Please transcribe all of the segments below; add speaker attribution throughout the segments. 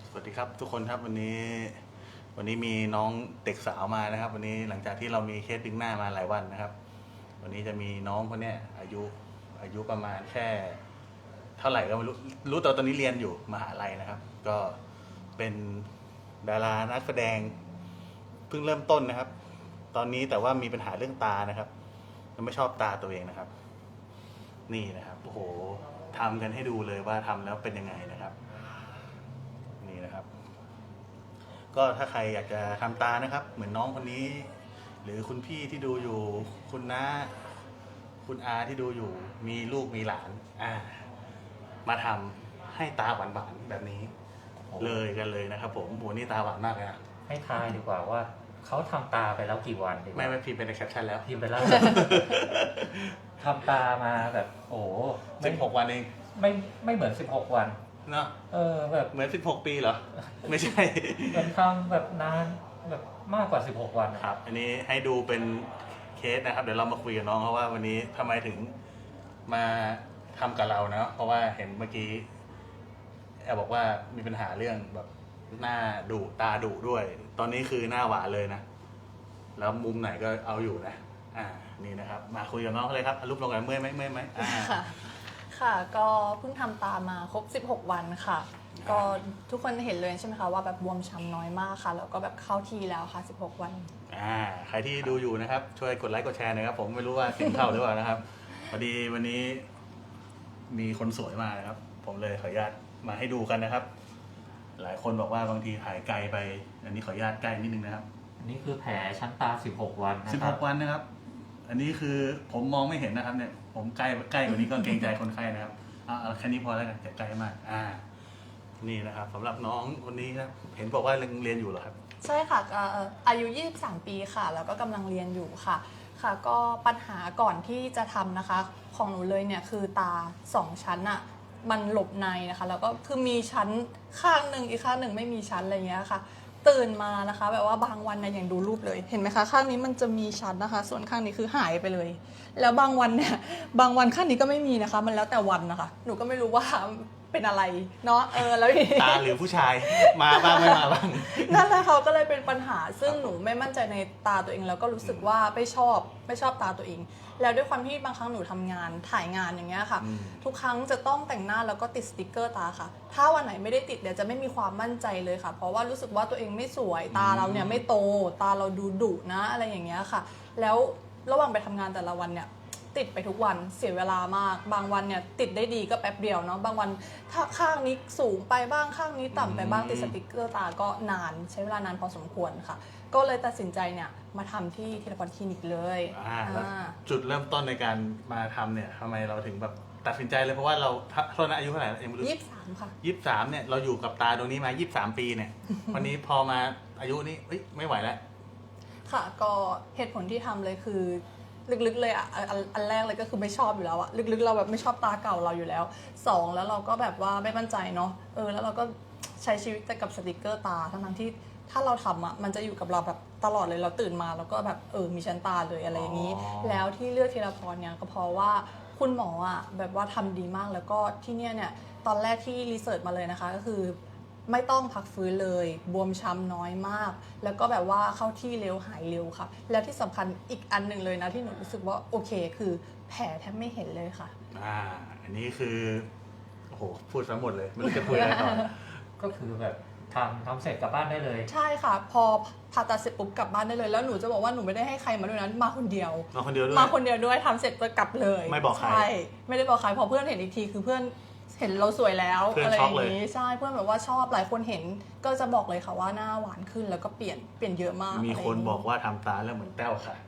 Speaker 1: สวัสดีครับทุกคนครับวันนี้มีน้องเด็กสาวมานะครับ วันนี้หลังจากที่เรามีเคสดึงหน้ามาหลายวันนะครับ วันนี้จะมีน้องคนนี้อายุประมาณแค่เท่าไหร่ก็ไม่รู้แต่ตอนนี้เรียนอยู่มหาลัยนะครับ ก็เป็นดารานักแสดงเพิ่งเริ่มต้นนะครับ ตอนนี้แต่ว่ามีปัญหาเรื่องตานะครับไม่ชอบตาตัวเองนะครับ นี่นะครับโอ้โหทำกันให้ดูเลยว่าทำแล้วเป็นยังไงนะครับนี่นะครับก็ถ้าใครอยากจะทำตานะครับเหมือนน้องคนนี้หรือคุณพี่ที่ดูอยู่คุณน้าคุณอาที่ดูอยู่มีลูกมีหลานมาทำให้ตาหวานๆแบบนี้เลยกันเลยนะครับผมโหนี่ตาหวานมากเลยนะ
Speaker 2: ให้ทายดีกว่าว่าเขาทำตาไปแล้วกี่วันดีกว่า
Speaker 1: ไม่พิมพ์เป็นในแคปชั่นแล้ว
Speaker 2: พิมพ์ไปแล้วทำตามาแบบโอ้
Speaker 1: 16 วันเอง
Speaker 2: ไม่เหมือน16 วัน
Speaker 1: เนาะ
Speaker 2: แบบ
Speaker 1: เหมือน16 ปีเหรอไม่ใช่
Speaker 2: มันทำแบบนานแบบมากกว่า16 วัน
Speaker 1: ครับอันนี้ให้ดูเป็นเคสนะครับเดี๋ยวเรามาคุยกับน้องเขาว่าวันนี้ทำไมถึงมาทำกับเราเนาะเพราะว่าเห็นเมื่อกี้แอบบอกว่ามีปัญหาเรื่องแบบหน้าดุตาดุด้วยตอนนี้คือหน้าหวานเลยนะแล้วมุมไหนก็เอาอยู่นะนี่นะครับมาคุยกับน้องเขาเลยครับรูปลงกันเมื่อยไหม
Speaker 3: ค่ะก็เพิ่งทำตามาครบ16 วันค่ะก็ทุกคนเห็นเลยใช่ไหมคะว่าแบบบวมช้ำน้อยมากค่ะแล้วก็แบบเข้าทีแล้วค่ะ16 วัน
Speaker 1: ใครที่ดูอยู่นะครับช่วยกดไลค์กดแชร์หน่อยครับผมไม่รู้ว่าเสียงเข้าหรือเปล่านะครับพอดีวันนี้มีคนสวยมานะครับผมเลยขออนุญาตมาให้ดูกันนะครับหลายคนบอกว่าบางทีถ่ายไกลไปอันนี้ขออนุญาตใกล้นิดนึงนะครับ
Speaker 2: อันนี้คือแผลชั้นตา16 วันนะครับ
Speaker 1: 16 วันนะครับอันนี้คือผมมองไม่เห็นนะครับเนี่ยผมใกล้กว่านี้ก็เกรงใจคนไข้นะครับเอาแค่นี้พอแล้วกันอย่าใกล้มากนี่นะครับสำหรับน้องคนนี้ครับเห็นบอกว่าเรียนอยู่เหรอครับ
Speaker 3: ใช่ค่ะอายุ23 ปีค่ะแล้วก็กำลังเรียนอยู่ค่ะก็ปัญหาก่อนที่จะทำนะคะของหนูเลยเนี่ยคือตา2 ชั้นอะมันหลบในนะคะแล้วก็คือมีชั้นข้างหนึ่งอีกข้างหนึ่งไม่มีชั้นอะไรเงี้ยค่ะตื่นมานะคะแบบว่าบางวันนะอย่างดูรูปเลยเห็นไหมคะข้างนี้มันจะมีชั้นนะคะส่วนข้างนี้คือหายไปเลยแล้วบางวันเนี่ยบางวันข้างนี้ก็ไม่มีนะคะมันแล้วแต่วันนะคะหนูก็ไม่รู้ว่าเป็นอะไรเนาะแล้ว
Speaker 1: ตาหรือผู้ชายมาบ้างไม่มาบ้าง
Speaker 3: นั่นแหละเขาก็เลยเป็นปัญหาซึ่งหนูไม่มั่นใจในตาตัวเองแล้วก็รู้สึกว่าไม่ชอบตาตัวเองแล้วด้วยความที่บางครั้งหนูทำงานถ่ายงานอย่างเงี้ยค่ะทุกครั้งจะต้องแต่งหน้าแล้วก็ติดสติกเกอร์ตาค่ะถ้าวันไหนไม่ได้ติดเดี๋ยวจะไม่มีความมั่นใจเลยค่ะเพราะว่ารู้สึกว่าตัวเองไม่สวยตาเราเนี่ยไม่โตตาเราดูดุนะอะไรอย่างเงี้ยค่ะแล้วระหว่างไปทำงานแต่ละวันเนี่ยติดไปทุกวันเสียเวลามากบางวันเนี่ยติดได้ดีก็แป๊บเดียวเนาะบางวันถ้าข้างนี้สูงไปบ้างข้างนี้ต่ำไปบ้างติดสติกเกอร์ตาก็นานใช้เวลานานพอสมควรค่ะก็เลยตัดสินใจเนี่ยมาทำที่ธีรพรคลินิกเลย
Speaker 1: จุดเริ่มต้นในการมาทำเนี่ยทำไมเราถึงแบบตัดสินใจเลยเพราะว่าเราโทษนะอายุเท่าไหร่เอ็มรู้
Speaker 3: 23 ค่ะ
Speaker 1: 23เนี่ยเราอยู่กับตาตรงนี้มา23 ปีเนี่ย วันนี้พอมาอายุนี้ไม่ไหวแล้ว
Speaker 3: ค่ะก็เหตุผลที่ทำเลยคือลึกๆเลยอันแรกเลยก็คือไม่ชอบอยู่แล้วอะลึกๆเราแบบไม่ชอบตาเก่าเราอยู่แล้ว2แล้วเราก็แบบว่าไม่มั่นใจเนาะแล้วเราก็ใช้ชีวิตแต่กับสติกเกอร์ตาทั้งที่ถ้าเราทำอะมันจะอยู่กับเราแบบตลอดเลยเราตื่นมาแล้วก็แบบมีชั้นตาเลยอะไรอย่างนี้แล้วที่เลือกธีรพรเนี่ยก็เพราะว่าคุณหมออะแบบว่าทำดีมากแล้วก็ที่เนี่ยตอนแรกที่รีเสิร์ชมาเลยนะคะก็คือไม่ต้องพักฟื้นเลยบวมช้ำน้อยมากแล้วก็แบบว่าเข้าที่เร็วหายเร็วค่ะแล้วที่สำคัญอีกอันหนึ่งเลยนะที่หนูรู้สึกว่าโอเคคือแผลแทบไม่เห็นเลยค่ะ
Speaker 1: อันนี้คือโอ้โหพูดซะหมดเลยไม่รู้จะคุยอะไรต่อ
Speaker 2: ก็คือแบบทำเสร็จกลับบ้านได้เลย
Speaker 3: ใช่ค่ะพอผ่าตัดเสร็จปุ๊บกลับบ้านได้เลยแล้วหนูจะบอกว่าหนูไม่ได้ให้ใครมาด้วยนะมาคนเดียวด้วยทำเสร็จก็กลับเลย
Speaker 1: ไม่บอกใคร
Speaker 3: ใช่ไม่ได้บอกใครพอเพื่อนเห็นอีกทีคือเพื่อนเห็นเราสวยแล้วอะไรอย่างนี้ใช่เพื่อนแบบว่าชอบหลายคนเห็นก็จะบอกเลยค่ะว่าหน้าหวานขึ้นแล้วก็เปลี่ยนเยอะมาก
Speaker 1: มีคนบอกว่าทำตาแล้วเหมือนแต้วค่ะ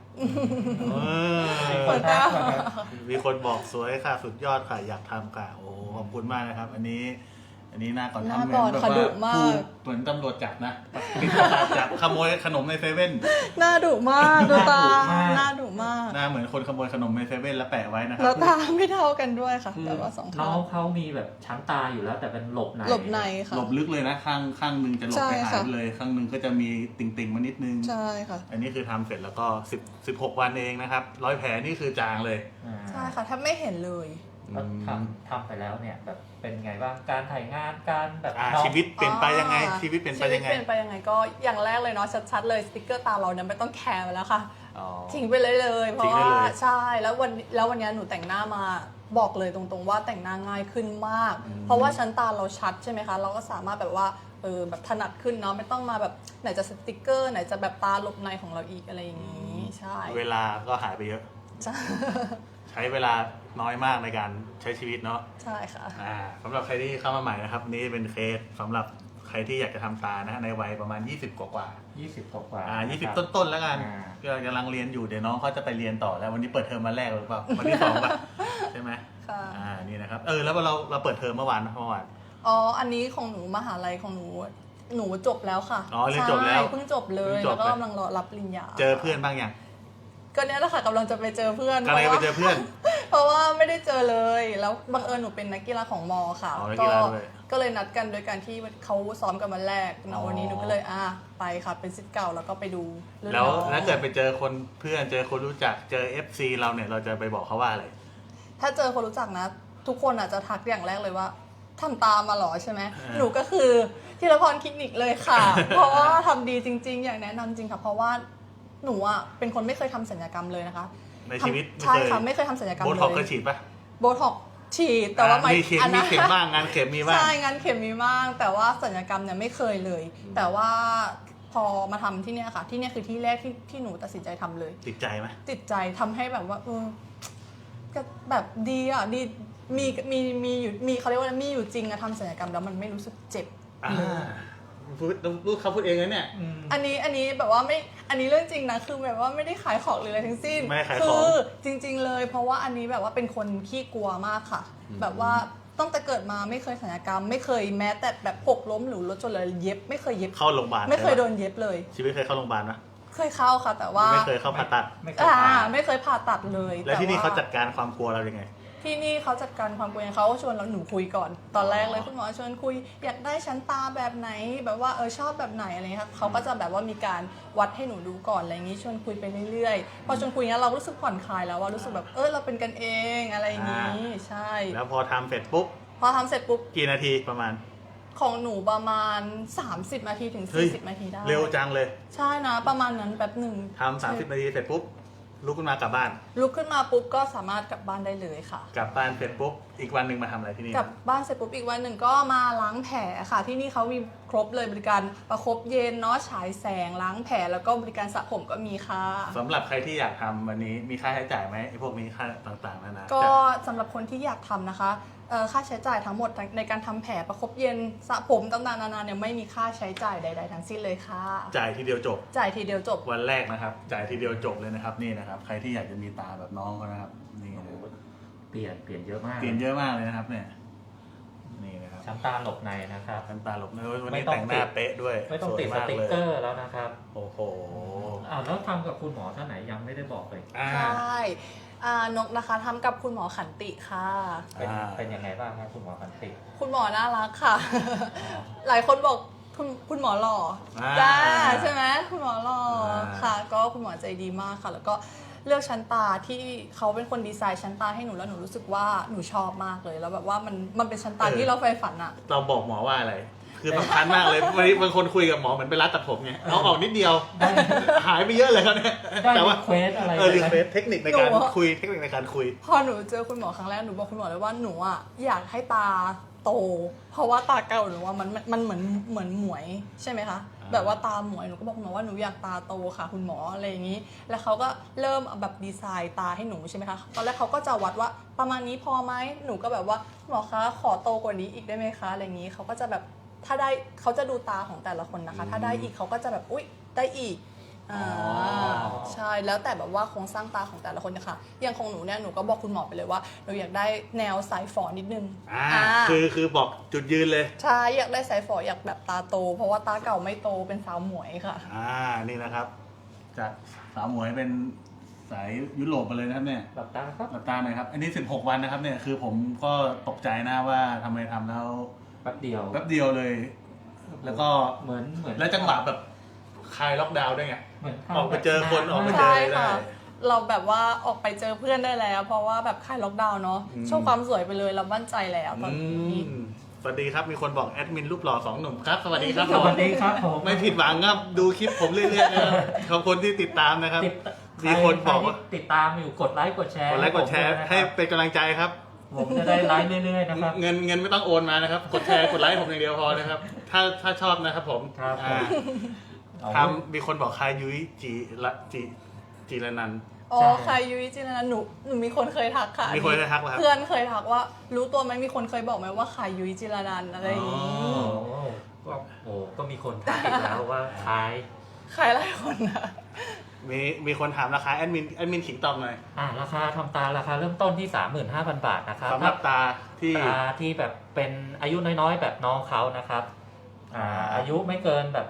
Speaker 1: มีคนบอกสวยค่ะสุดยอดค่ะอยากทำค่ะโอ้ขอบคุณมากนะครับอันนี้หน้าก่อนทำแบบว่าเหมือนตำรวจจับนะจับขโมยขนมในเซเว่น
Speaker 3: หน้าดุมากดูตาหน้าดุมาก
Speaker 1: หน้าเหมือนคนขโมยขนมในเซเว่นแล้วแปะไว้นะครับ
Speaker 3: แล้วตาไม่เท่ากันด้วยค่ะแต่ว่า2 ข้าง
Speaker 2: น้องเขามีแบบชั้นตาอยู่แล้วแต่เป็นหลบใน
Speaker 3: ค่ะ
Speaker 1: หลบลึกเลยนะข้างนึงจะหลบไปหายเลยข้างนึงก็จะมีติ่งมานิดนึง
Speaker 3: ใช่ค่ะ
Speaker 1: อันนี้คือทำเสร็จแล้วก็16 วันเองนะครับ100 แผลนี่คือจางเลย
Speaker 3: ใช่ค่ะแทบไม่เห็นเลย
Speaker 2: แล้วทำไปแล้วเนี่ยแบบเป็นไงบ้างการถ่ายงานการแบบน้อง
Speaker 1: ชีวิตเปลี่ยนไปยังไงชีวิตเปลี่ยนไปยังไง
Speaker 3: ชีวิตเปลี่ยนไปยังไงก็อย่างแรกเลยเนาะชัดๆเลยสติกเกอร์ตาเราเนี่ยไม่ต้องแคร์ไปแล้วค่ะ
Speaker 1: อ๋อ
Speaker 3: ทิ้งไปเลยเพ
Speaker 1: ทิ้
Speaker 3: ราะ
Speaker 1: งได้
Speaker 3: ว่า
Speaker 1: เลย
Speaker 3: ใช่แล้ววันนี้หนูแต่งหน้ามาบอกเลยตรงๆว่าแต่งหน้าง่ายขึ้นมาก เพราะว่าชั้นตาเราชัดใช่ไหมคะเราก็สามารถแบบว่าแบบถนัดขึ้นเนาะไม่ต้องมาแบบไหนจะสติกเกอร์ไหนจะแบบตาหลบในของเราอีกอะไรอย่างนี้ใช่
Speaker 1: เวลาก็หายไปเยอะ
Speaker 3: ใช่
Speaker 1: ใช้เวลาน้อยมากในการใช้ชีวิตเนาะ
Speaker 3: ใช่ค่ะ
Speaker 1: สำหรับใครที่เข้ามาใหม่นะครับนี่เป็นเคสสำหรับใครที่อยากจะทำตานะในวัยประมาณ20กว่า
Speaker 2: 20 กว่า
Speaker 1: 20 ต้นๆแล้วกันก็กำลังเรียนอยู่เดี๋ยวน้องเขาจะไปเรียนต่อแล้ววันนี้เปิดเทอมวันแรกหรือเปล่าวันที่2ป่ะใช่ไหม
Speaker 3: ค่ะ
Speaker 1: นี่นะครับแล้วเราเปิดเทอมเมื่อวาน
Speaker 3: อ๋ออันนี้ของหนูมหาลัยของหนูจบแล้วค่ะ
Speaker 1: อ๋อเรียนจบแล้ว
Speaker 3: ใช่เพิ่งจบเลย
Speaker 1: เพิ่งจบ
Speaker 3: แล้วก็กำลังรอรับปริญญา
Speaker 1: เจอเพื่อนบ้างยัง
Speaker 3: ก็เนี้ยแหละค่ะกำลังจะไปเจอเพื่อน
Speaker 1: กำลังจะไปเจอเพื่อน
Speaker 3: เพราะว่าไม่ได้เจอเลยแล้วบังเอิญหนูเป็นนักกีฬาของมอค่ะ
Speaker 1: อ๋อนักกีฬาด้วย
Speaker 3: ก็เลยนัดกันโดยการที่เขาซ้อมกันวันแรก
Speaker 1: อ๋
Speaker 3: เนาะ
Speaker 1: อ
Speaker 3: วันนี้หนูก็เลยไปค่ะเป็นศิษย์เก่าแล้วก็ไปดูรุ่น
Speaker 1: แล้ว
Speaker 3: น้อง
Speaker 1: ถ้าเกิดไปเจอคนเพื่อนเจอคนรู้จักเจอ FC เราเนี่ยเราจะไปบอกเขาว่าอะไร
Speaker 3: ถ้าเจอคนรู้จักนะ ทุกคนอาจจะทักอย่างแรกเลยว่าทำตามมาเหรอใช่ไหม
Speaker 1: อ่า
Speaker 3: หนูก็คือธีรพรคลินิกเลยค่ะ เพราะว่าทำดีจริง ๆ อย่างแนะนำจริงค่ะ เพราะว่าหนูอ่ะเป็นคนไม่เคยทำศัลยกรรมเลยนะคะ
Speaker 1: ในชีวิต
Speaker 3: ใช่ค่ะไม่เคยทำศัลยกรรม
Speaker 1: โบ
Speaker 3: เลย
Speaker 1: ท็อกซ์เคยฉีดปะ
Speaker 3: โบท็อกซ์ฉีดแต่ว่า
Speaker 1: มีเข็มมีเข็มบ้างงานเข็มมีบ้าง
Speaker 3: ใช่งานเข็มมีบ้างแต่ว่าศัลยกรรมเนี่ยไม่เคยเลย แต่ว่าพอมาทำที่เนี่ยค่ะที่เนี่ยคือที่แรกที่หนูตัดสินใจทำเลย
Speaker 1: ติดใจไหม
Speaker 3: ติดใจทำให้แบบว่าก็แบบดีอ่ะดีมีอยู่มีเขาเรียกว่าอะไรมีอยู่จริงอะทำศัลยกรรมแล้วมันไม่รู้สึกเจ็บ
Speaker 1: พูดเขาพูดเองนะเนี่ย
Speaker 3: อันนี้แบบว่าไม่อันนี้เรื่องจริงนะคือแบบว่าไม่ได้ขายของหรืออะไรทั้งสิ้น
Speaker 1: ไม่ได้ขายของ
Speaker 3: คือจริง ๆ เลย เพราะว่าอันนี้แบบว่าเป็นคนขี้กลัวมากค่ะ แบบว่าตั้งแต่เกิดมาไม่เคยศัลยกรรม ไม่เคยแม้แต่แบบหกล้มหรือรถชนเลยเย็บไม่เคยเย็บ
Speaker 1: เข้าโรงพยาบาล
Speaker 3: ไม่เคยโดนเย็บเลย
Speaker 1: ชีวิตเคยเข้าโรงพยาบาลไหม
Speaker 3: เคยเข้าค่ะ แต่ว่า
Speaker 1: ไม่เคยเข้าผ่าตัด
Speaker 2: ไม่เคยผ่าน
Speaker 3: ไม่เคยผ่าตัดเลย
Speaker 1: แล้วที่นี่
Speaker 3: ต่
Speaker 1: เขาจัดการความกลัวเรายังไง
Speaker 3: ที่นี่เขาจัดการความกลัวยังไงเขาก็ชวนเราหนูคุยก่อน ตอนแรกเลยคุณหมอชวนคุย อยากได้ชั้นตาแบบไหน แบบว่าชอบแบบไหนอะไรเงี้ยค่ะเขาก็จะแบบว่ามีการวัดให้หนูดูก่อนอะไรอย่างงี้ชวนคุยไปเรื่อยๆพอชวนคุยเนี้ยเรารู้สึกผ่อนคลายแล้วว่ารู้สึกแบบเราเป็นกันเองอะไรอย่างงี้ใช่
Speaker 1: แล้วพอทำเสร็จปุ๊บ
Speaker 3: พอทำเสร็จปุ๊บ
Speaker 1: กี่นาทีประมาณ
Speaker 3: ของหนูประมาณ30นาทีถึง
Speaker 1: เฮ้ย
Speaker 3: 40นาทีได้
Speaker 1: เร็วจังเลย
Speaker 3: ใช่นะประมาณนั้นแป๊บหนึ่ง
Speaker 1: ทำ30 นาทีเสร็จปุ๊บลุกขึ้นมากลับบ้าน
Speaker 3: ลุกขึ้นมาปุ๊บก็สามารถกลับบ้านได้เลยค่ะ
Speaker 1: กลับบ้านเสร็จปุ๊บอีกวันหนึ่งมาทำอะไรที่นี่
Speaker 3: กลับบ้านเสร็จปุ๊บอีกวันหนึ่งก็มาล้างแผลค่ะ ที่นี่เขามีครบเลยบริการประคบเย็นเนาะฉายแสงล้างแผลแล้วก็บริการสระผมก็มีค่ะ
Speaker 1: สำหรับใครที่อยากทำวันนี้มีค่าใช้จ่ายไหมไอ้พวกนี้ค่าต่างๆนานา
Speaker 3: ก็สำหรับคนที่อยากทำนะคะค่าใช้จ่ายทั้งหมดในการทำแผลประคบเย็นสระผมต่างๆนานาเนี่ยไม่มีค่าใช้จ่ายใด ๆ ทั้งสิ้นเลยค่ะ
Speaker 1: จ่ายทีเดียวจบ
Speaker 3: จ่ายทีเดียวจบ
Speaker 1: วันแรกนะครับ จ่ายทีเดียวจบเลยนะครับนี่นะครับ ใครที่อยากจะมีตาแบบน้องเขานะครับนี่นะ
Speaker 2: เปลี่ยนเยอะมาก
Speaker 1: เปลี่ยนเยอะมากเลยนะครับเนี่ยนี่นะครับ
Speaker 2: ชั้นตาหลบในนะครับ
Speaker 1: น้ำตาหลบในวัน
Speaker 2: ไม่
Speaker 1: นี้
Speaker 2: ต้อง
Speaker 1: แต่งหน้าเป๊ะด้วย
Speaker 2: ไม่ต้อง
Speaker 1: สวย
Speaker 2: ติดส
Speaker 1: มาก
Speaker 2: ติ๊ก
Speaker 1: เลย
Speaker 2: เกอร์แล้วนะครับ
Speaker 1: โอ้โห
Speaker 2: แล้วทำกับคุณหมอท่านไหนยังไม่ได้บอกเลย
Speaker 3: ใช่นกนะคะทำกับคุณหมอขันติค่ะ
Speaker 2: เป็นยังไงบ้างครับคุณหมอพันติ
Speaker 3: คุณหมอน่ารักค่ะ หลายคนบอกคุณหมอหล่อ
Speaker 1: อ่า
Speaker 3: จ้าใช่ไหมคุณหมอหล่อ
Speaker 1: อ่า
Speaker 3: ค่ะ ก็คุณหมอใจดีมากค่ะ แล้วก็เลือกชั้นตาที่เขาเป็นคนดีไซน์ชั้นตาให้หนูแล้วหนูรู้สึกว่าหนูชอบมากเลยแล้วแบบว่ามันเป็นชั้นตาที่เราใฝ่ฝันอะ
Speaker 1: เราบอกหมอว่าอะไร คือสำคัญมากเลยวันนี้บางคนคุยกับหมอเหมือนไปร้านตัดผมไงเอาออกนิดเดียว หายไปเยอะเลยครับเนี่ย
Speaker 2: ได้
Speaker 1: แต่ว่า
Speaker 2: รีเควสอะไร
Speaker 1: รี
Speaker 2: ไหม
Speaker 1: เควสเทคนิคในการคุยเทคนิคในการคุย
Speaker 3: พอหนูเจอคุณหมอครั้งแรกหนูบอกคุณหมอเลยว่าหนูอะอยากให้ตาโต เพราะว่าตาเก่าหนูว่ามันเหมือนหมวยใช่ไหมคะ แบบว่าตาหมวยหนูก็บอกคุณหมอว่าหนูอยากตาโตค่ะ คุณหมออะไรอย่างนี้ แล้วเขาก็เริ่มเอาแบบดีไซน์ตาให้หนูใช่ไหมคะตอนแรกเขาก็จะวัดว่าประมาณนี้พอไหมหนูก็แบบว่าหมอคะขอโตกว่านี้อีกได้ไหมคะอะไรอย่างนี้เขาก็จะแบบถ้าได้เขาจะดูตาของแต่ละคนนะคะ ถ้าได้อีกเขาก็จะแบบอุ๊ยได้อีกใช่แล้วแต่แบบว่าโครงสร้างตาของแต่ละคนนะคะอย่างของหนูเนี่ยหนูก็บอกคุณหมอไปเลยว่าหนูอยากได้แนวสายฝอนิดนึง
Speaker 1: คือบอกจุดยืนเลย
Speaker 3: ใช่อยากได้สายฝออยากแบบตาโต เพราะว่าตาเก่าไม่โตเป็นสาวหมวยค่ะ
Speaker 1: นี่นะครับจากสาวหมวยเป็นสายยุโรปมาเลยนะครับเนี่ย
Speaker 2: หลับตาครับ
Speaker 1: หลับตาหน่อยครับอันนี้16 วันนะครับเนี่ยคือผมก็ตกใจนะว่าทำไมทำแล้ว
Speaker 2: แป๊บเดียว
Speaker 1: แป๊บเดียวเลย แล้วก็
Speaker 2: เหมือน
Speaker 1: แล้วจังหวะแบบคลายล็อกดาวน์ด้วยไง
Speaker 2: เหมือน
Speaker 1: ออกไปเจอคนออกไปเจอ
Speaker 3: ใช่
Speaker 1: ได้
Speaker 3: ค่ะเราแบบว่าออกไปเจอเพื่อนได้แล้ว เพราะว่าแบบคลายล็อกดาวน์เนาะโชว์ความสวยไปเลยเรามั่นใจแล้วตอนนี้
Speaker 1: สวัสดีครับมีคนบอกแอดมินรูปหล่อ2 หนุ่มครับสวัสดีครับ
Speaker 2: สวัสดีครับผม
Speaker 1: ไม่ผิดหวังครับดูคลิปผมเรื่อยๆนะครับขอบคุณที่ติดตามนะครับ มีคนบอกว่า
Speaker 2: ใรที่ติดตามอยู่กดไลค์กดแชร์
Speaker 1: กดไลค์กดแชร์ให้เป็นกำลังใจครับ
Speaker 2: ผมจะได้ไลค์เรื่อยๆนะครับ
Speaker 1: เงินไม่ต้องโอนมานะครับกดแชร์กดไลค์ผมอย่างเดียวพอนะครับถ้าชอบนะครับผม
Speaker 2: ครับผม
Speaker 1: ทำมีคนบอกคายุ้ยจีรนันท์
Speaker 3: อ๋อใครยุ้ยจริงนะหนูมีคนเคยทักค่ะ
Speaker 1: มีคนเคยทักเหรอครับ
Speaker 3: เพื่อนเคยทักว่า รู้ตัวไหมมีคนเคยบอกไหมว่าใครยุ้ยจิรนันท์อะไรอย่างงี้
Speaker 2: ก็มีคนทักอีกแล้วว่าคล้าย
Speaker 3: ใครหลายคนนะ
Speaker 1: มีคนถามราคาแอดมินขิงตอบหน่อย
Speaker 2: ราคาทำตาราคาเริ่มต้นที่ 35,000 บาทนะครับ
Speaker 1: สำหรับตาที่
Speaker 2: ตาที่แบบเป็นอายุน้อยๆ แบบน้องเขานะครับอายุไม่เกินแบบ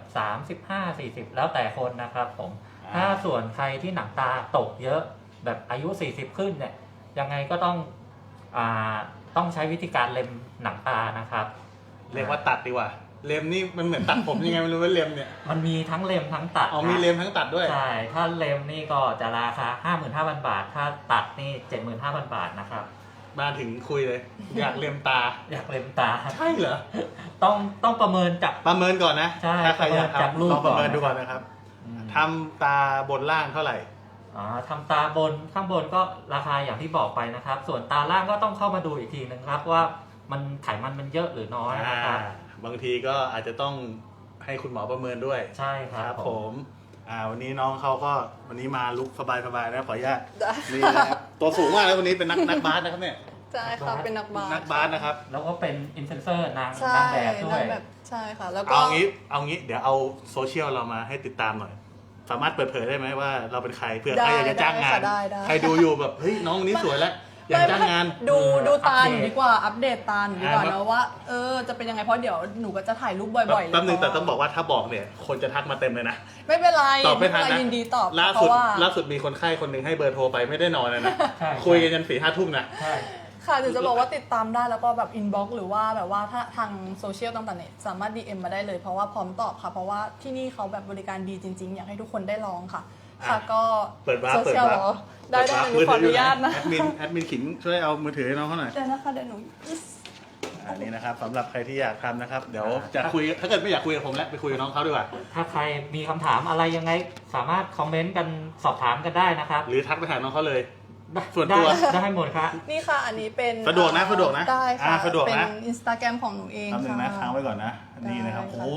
Speaker 2: 35-40แล้วแต่คนนะครับผมถ้าส่วนใครที่หนังตาตกเยอะแบบอายุ40ขึ้นเนี่ยยังไงก็ต้องใช้วิธีการเล็มหนังตานะครับ
Speaker 1: เรียกว่าตัดดีกว่าเล็มนี่มันเหมือนตัดผมยังไงไม่รู้ว่าเล็มเนี่ย
Speaker 2: มันมีทั้งเล็มทั้งตัด
Speaker 1: อ๋อมีเล็มทั้งตัดด้วย
Speaker 2: ใช่ถ้าเล็มนี่ก็จะราคา 55,000 บาท ถ้าตัดนี่ 75,000 บาทนะครับ
Speaker 1: มาถึงคุยเลย อยากเล็มตา
Speaker 2: อยากเล็มตา
Speaker 1: ใช่เหรอ
Speaker 2: ต้องประเมินจาก
Speaker 1: ประเมินก่อนนะ
Speaker 2: ใช่
Speaker 1: ถ้าใครอยาก
Speaker 2: จาก
Speaker 1: ทำ
Speaker 2: รูป
Speaker 1: ลองประเมิน
Speaker 2: ก่อน
Speaker 1: ดูก่อนนะครับทำตาบนล่างเท่าไหร่
Speaker 2: ทำตาบนข้างบนก็ราคาอย่างที่บอกไปนะครับ ส่วนตาล่างก็ต้องเข้ามาดูอีกทีนึงครับว่ามันไขมันมันเยอะหรือน้อยนะครับ
Speaker 1: บางทีก็อาจจะต้องให้คุณหมอประเมินด้วย
Speaker 2: ใช่ครับ
Speaker 1: ผมวันนี้น้องเขาก็วันนี้มาลุกสบายๆนะขออนุญาต
Speaker 3: ได้
Speaker 1: นี่นะครับตัวสูงมากแล้ววันนี้เป็นนักบาสนะครับเนี่ย
Speaker 3: ใช่ค่ะเป็นนักบาส
Speaker 1: นักบาสนะครับ
Speaker 2: แล้วก็เป็นอินฟลูเอนเซอร์นาง
Speaker 3: ใช่
Speaker 2: แบบด้วย
Speaker 3: นางแบบใช่ค่ะ แล้วก็
Speaker 1: เอางี้เดี๋ยวเอาโซเชียลเรามาให้ติดตามหน่อย สามารถเปิดเผยได้ไหมว่าเราเป็นใครเผื่อใครอยากจะจ้างงาน
Speaker 3: ได้
Speaker 1: ใครดูอยู่แบบเฮ้ยน้องคนนี้สวยแล้วอยากจ้างงาน
Speaker 3: ดูตาหนูดีกว่าอัปเดตตาหนูดีกว่า
Speaker 1: อ่า
Speaker 3: นะว่าจะเป็นยังไงเพราะเดี๋ยวหนูก็จะถ่ายรูปบ่อยๆเลย
Speaker 1: แป๊บนึงแต่ต้องบอกว่าถ้าบอกเนี่ยคนจะทักมาเต็มเลยนะ
Speaker 3: ไม่เป็นไร
Speaker 1: ตอบไม่ทันนะ
Speaker 3: ยินดีตอบ
Speaker 1: ล่า
Speaker 3: เพ
Speaker 1: สุด
Speaker 3: ราะว่า
Speaker 1: ล่าสุดมีคนไข้คนหนึ่งให้เบอร์โทรไปไม่ได้นอนเลยนะ
Speaker 2: ใช่
Speaker 1: คุยกันยัน4-5 ทุ่มนะ
Speaker 2: ใช่
Speaker 3: ค่ะหนูจะบอกว่าติดตามได้แล้วก็แบบอินบ็อกซ์หรือว่าแบบว่าถ้าทางโซเชียลต่างๆเนี่ยสามารถ DM มาได้เลยเพราะว่าพร้อมตอบค่ะ เพราะว่าที่นี่เขาแบบบริการดีจริงๆ อยากให้ทุกคนได้ลองค่ะ ค่ะก็
Speaker 1: เปิดวาร์ป
Speaker 3: โซเชียลเหรอได้หนูขออนุญาตนะ
Speaker 1: แอดมินขิงช่วยเอามือถือให้น้องเขาหน่อย
Speaker 3: เดี๋ยวนะคะเดี๋ยวหนู
Speaker 1: อันนี้นะครับสำหรับใครที่อยากทำนะครับเดี๋ยวจะคุยถ้าเกิดไม่อยากคุยกับผมแล้วไปคุยกับน้องเขาดีกว่า
Speaker 2: ถ้าใครมีคำถามอะไรยังไงสามารถคอมเมนต์กันสอบถามกันได้นะครับ
Speaker 1: หรือทักไปหาน้องเขาเลย ส่วนตัว
Speaker 2: ได้หมดครับ
Speaker 3: นี่ค่ะอันนี้เป็น
Speaker 1: สะดวกนะสะดวกนะ
Speaker 3: ได้ค่ะ
Speaker 1: สะดวกนะ
Speaker 3: เป็นอินสตาแกรมของหนูเอง
Speaker 1: คำหนึ่งนะ
Speaker 3: ค่ะ
Speaker 1: ค้างไว้ก่อนนะนี่นะครับ
Speaker 3: ได้ค่ะ
Speaker 1: โอ้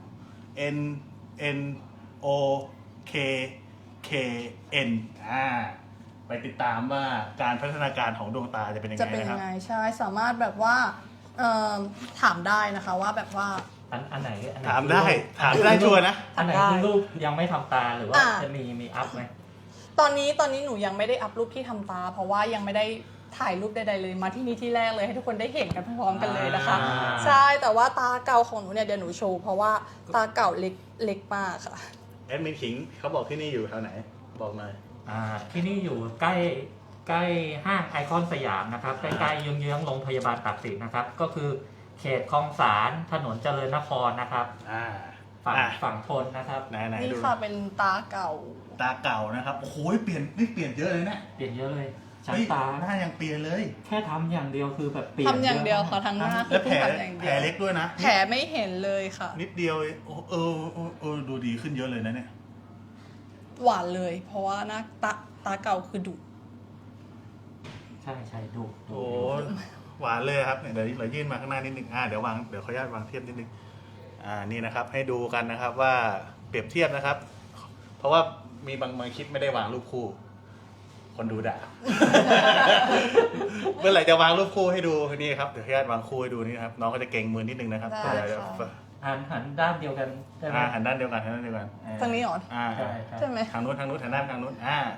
Speaker 1: N O K K N ไปติดตามว่าการพัฒนาการของดวงตาจะเป็นยัง
Speaker 3: จะ
Speaker 1: ไง
Speaker 3: เป็น
Speaker 1: นะค
Speaker 3: ยั
Speaker 1: รับ
Speaker 3: งไงใช่สามารถแบบว่าถามได้นะคะว่าแบบว่า
Speaker 2: อันไหน
Speaker 1: ถามได้ชัวร์นะ
Speaker 2: อันไหน
Speaker 3: ได้
Speaker 2: คือรูปยังไม่ทำตาหรือว่า
Speaker 3: อ่า
Speaker 2: จะมีอัพไหม
Speaker 3: ตอนนี้หนูยังไม่ได้อัพรูปที่ทำตา เพราะว่ายังไม่ได้ถ่ายรูปใดๆเลยมาที่นี่ที่แรกเลยให้ทุกคนได้เห็นกันพร้อมๆกันเลยนะคะ ใช่แต่ว่าตาเก่าของหนูเนี่ยเดี๋ยวหนูโชว์เพราะว่าตาเก่าเล็กมากค่ะ
Speaker 1: แอดมินขิงเขาบอกที่นี่อยู่แถวไหนบอกหน่อย
Speaker 2: ที่นี่อยู่ใกล้ห้างไอคอนสยามนะครับใกล้ๆเยื้องๆโรงพยาบาลตากสินนะครับก็คือเขตคลองสารถนนเจริญนครนะครับฝั่งทนนะครับ
Speaker 1: ไหน
Speaker 3: นี่
Speaker 1: ดู
Speaker 3: ค่ะเป็นตาเก่า
Speaker 1: ตาเก่านะครับโอ้โหเปลี่ยนเยอะเลยนะ
Speaker 2: เปลี่ยนเยอะเลยชั้น
Speaker 1: เฮ้ย
Speaker 2: ตา
Speaker 1: หน้ายังเปลี่ยนเลย
Speaker 2: แค่ทำอย่างเดียวคือแบบเปลี่ยน
Speaker 3: ทำอย่างเดียว
Speaker 2: ะ
Speaker 3: ค่ะทั้งหน้าคื
Speaker 1: แล้
Speaker 3: อ
Speaker 1: ว
Speaker 3: เพิ่งทำอย่าง
Speaker 1: แผ
Speaker 3: เดี
Speaker 1: ล
Speaker 3: ยว
Speaker 1: เล็กด้วยนะ
Speaker 3: แผลไม่เห็นเลยค่ะ
Speaker 1: นิดเดียวดูดีขึ้นเยอะเลยนะเนี่ย
Speaker 3: หวานเลย เพราะว่าหน้าตาเก่าคือดุ
Speaker 2: ใช่ดู
Speaker 1: โอ้หวานเลยครับเนี่ยเดี๋ยวเรายื่นมาข้างหน้านิดนึงเดี๋ยวขออนุญาตวางเทียบนิดนึงนี่นะครับให้ดูกันนะครับว่าเปรียบเทียบนะครับ เพราะว่ามีบางคลิปไม่ได้วางรูปคู่ คนดูด่า เมื่อไหร่จะวางรูปคู่ให้ดูนี่ครับเดี๋ยวขออนุญาตวางคู่ให้ดูนี่นะครับน้องก็จะเก่งมือนิดนึงนะครับ
Speaker 3: ได้
Speaker 1: เดี๋ยว
Speaker 3: ค่ะ
Speaker 2: หันด้านเดียวกันได้ไหม
Speaker 1: หันด้านเดียวกัน
Speaker 3: ทางนี้เหรอ
Speaker 2: ใช่
Speaker 3: ใช่ไหม
Speaker 1: ทางนู้นหันด้านทางนู้น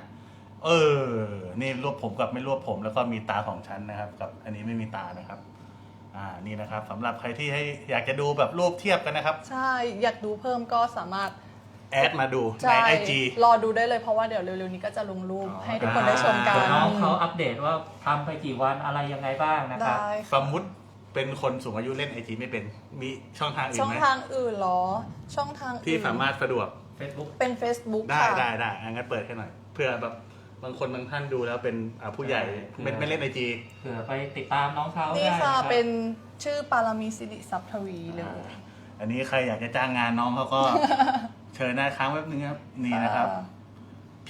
Speaker 1: นี่รวบผมกับไม่รวบผมแล้วก็มีตาสองชั้นนะครับ กับอันนี้ไม่มีตานะครับนี่นะครับสำหรับใครที่อยากจะดูแบบรูปเทียบกันนะครับ
Speaker 3: ใช่อยากดูเพิ่มก็สามารถ
Speaker 1: แอดมาดูใน
Speaker 3: ใช่
Speaker 1: IG
Speaker 3: รอดูได้เลยเพราะว่าเดี๋ยวเร็วๆนี้ก็จะลงรูปให้ทุกคนได้ชมกัน
Speaker 2: น้องเขาอัปเดตว่าทำไปกี่วันอะไรยังไงบ้างนะครับ
Speaker 3: ได้
Speaker 1: สมมุติเป็นคนสูงอายุเล่น IG ไม่เป็นมีช่องทางอื่
Speaker 3: ช่
Speaker 1: น
Speaker 3: อง
Speaker 1: ไหม
Speaker 3: ทางอื่นเหรอ ช่องทางอื่น
Speaker 1: ที่สามารถสะดวก
Speaker 2: Facebook
Speaker 3: เป็น Facebook
Speaker 1: ได้
Speaker 3: ค่ะ
Speaker 1: งั้นเปิดให้หน่อยเพื่อแบบบางคนบางท่านดูแล้วเป็นผู้ใหญ่ไม่เล่นไอจี
Speaker 2: เผื่อไปติดตามน้องเขา
Speaker 3: นี่
Speaker 2: ได้
Speaker 3: ค่ะ
Speaker 2: รับ
Speaker 3: เป็นชื่อปารามีสิริทรัพย์ทวีเลย
Speaker 1: อันนี้ใครอยากจะจ้างงานน้องเขาก็ เชิญได้ค้างแป๊บนึงครับนี่นะครับ P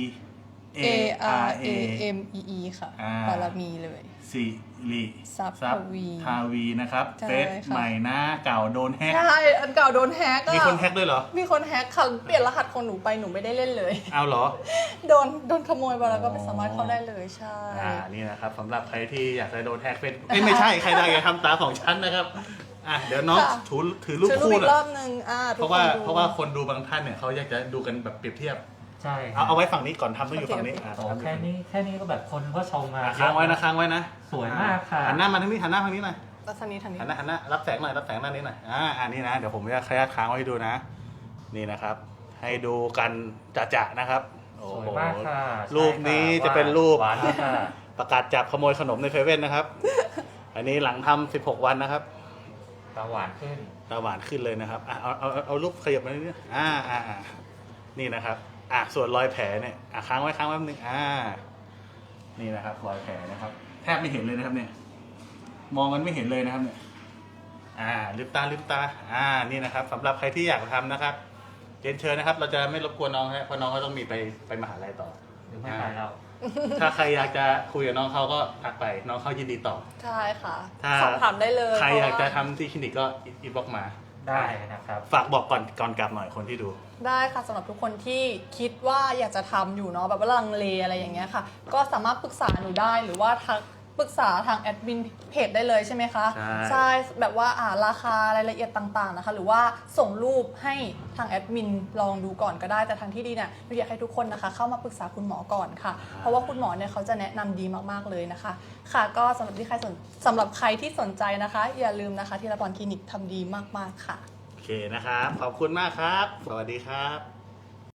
Speaker 1: A R A
Speaker 3: M E E ค่ะ
Speaker 1: อ่า
Speaker 3: ปารามีเลย
Speaker 1: สิริ
Speaker 3: ทรัพย์ทวี
Speaker 1: ทาวีนะครับ
Speaker 3: ใช่
Speaker 1: เฟซ
Speaker 3: ค่ะ
Speaker 1: ใหม่หน้าเก่าโดนแฮก
Speaker 3: ใช่อันเก่าโดนแฮกอะ
Speaker 1: มีคนแฮกด้วยเหรอ
Speaker 3: มีคนแฮกค่ะเปลี่ยนรหัสของหนูไปหนูไม่ได้เล่นเลย
Speaker 1: เอาเหรอ
Speaker 3: โดนขโมยไปแล้วก็ไม่สามารถเข้าได้เลยใช่
Speaker 1: นี่นะครับสำหรับใครที่อยากจะโดนแฮกเฟซไม่ใช่ใครได้อย่าทำตาของฉันนะครับเดี๋ยวน้อง
Speaker 3: ค่ะ
Speaker 1: ถือรูป
Speaker 3: ช่วยรูป
Speaker 1: คู่
Speaker 3: อี
Speaker 1: หน่
Speaker 3: กร
Speaker 1: อ
Speaker 3: อย บนึง
Speaker 1: เพราะ
Speaker 3: ทุกค
Speaker 1: ว่าน
Speaker 3: ดู
Speaker 1: เพราะว่าคนดูบางท่านเนี่ยเขาอยากจะดูกันแบบเปรียบเทียบ
Speaker 2: ใช่
Speaker 1: เอาไว้ฝั่งนี้ก่อนทำต้องอยู่ฝั่งนี้
Speaker 3: โอเค
Speaker 2: โอ้แค่นี้ก็แบบคนก็ชมมา
Speaker 1: ค้างไว้นะค้างไว้นะ
Speaker 2: สวยมากค่ะ
Speaker 1: หันหน้ามาทางนี้หันหน้าทางนี้หน่อย
Speaker 3: แล้วทางนี้
Speaker 1: หันหน้ารับแสงหน่อยรับแสงด้านนี้หน่อยอันนี้นะเดี๋ยวผมจะขยับค้างไว้ให้ดูนะ นี่นะครับ ให้ดูกันจะๆนะครับโอ้
Speaker 2: สวย
Speaker 1: โห
Speaker 2: มากค่ะ
Speaker 1: รูปนี้
Speaker 2: ใช่ค่
Speaker 1: จะเป็นรูป
Speaker 2: หวานมากค่ะ
Speaker 1: ประกาศจับขโมยขนมในเซเว่นนะครับ อันนี้หลังทำ16 วันนะครับ
Speaker 2: ตาหวานขึ้น
Speaker 1: ตาหวานขึ้นเลยนะครับเอารูปขยับมานิดนึงนี่นะครับส่วนรอยแผลเนี่ยค้างไว้แป๊บนึงนี่นะครับรอยแผลนะครับ แทบไม่เห็นเลยนะครับเนี่ย มองกันไม่เห็นเลยนะครับเนี่ยลืมตานี่นะครับสำหรับใครที่อยากทำนะครับเรียนเชิญนะครับ เราจะไม่รบกวนน้องเพราะน้องก็ต้องมีไปมหาลัยต่อ
Speaker 2: หรือไม่ไปแล้ว
Speaker 1: ถ้าใครอยากจะคุยกับน้องเขาก็ทักไปน้องเขายินดีตอบ
Speaker 3: ใช่ค่ะ
Speaker 1: ถ้า
Speaker 3: สอบถามได้เลย
Speaker 1: ใครอยากจะ
Speaker 3: เพ
Speaker 1: ทำที่คลินิกก็อินบ็อกมา
Speaker 2: ได้นะครับ
Speaker 1: ฝากบอกก่อนกลับหน่อยคนที่ดู
Speaker 3: ได้ค่ะสำหรับทุกคนที่คิดว่าอยากจะทำอยู่เนาะแบบว่าลังเลอะไรอย่างเงี้ยค่ะ ก็สามารถปรึกษาหนูได้หรือว่าทักปรึกษาทางแอดมินเพจได้เลยใช่ไหมคะ
Speaker 1: ใช่
Speaker 3: แบบว่าราคารายละเอียดต่างๆนะคะ หรือว่าส่งรูปให้ทางแอดมินลองดูก่อนก็ได้แต่ทางที่ดีเนี่ยหนูอยากให้ทุกคนนะคะ เข้ามาปรึกษาคุณหมอก่อนค่ะ เพราะว่าคุณหมอเนี่ยเขาจะแนะนำดีมากๆเลยนะคะ ค่ะก็สำหรับใครที่สนใจนะคะ อย่าลืมนะคะที่ละพรคลินิกทำดีมากๆค่ะ
Speaker 1: โอเคนะครับ ขอบคุณมากครับ สวัสดีครับ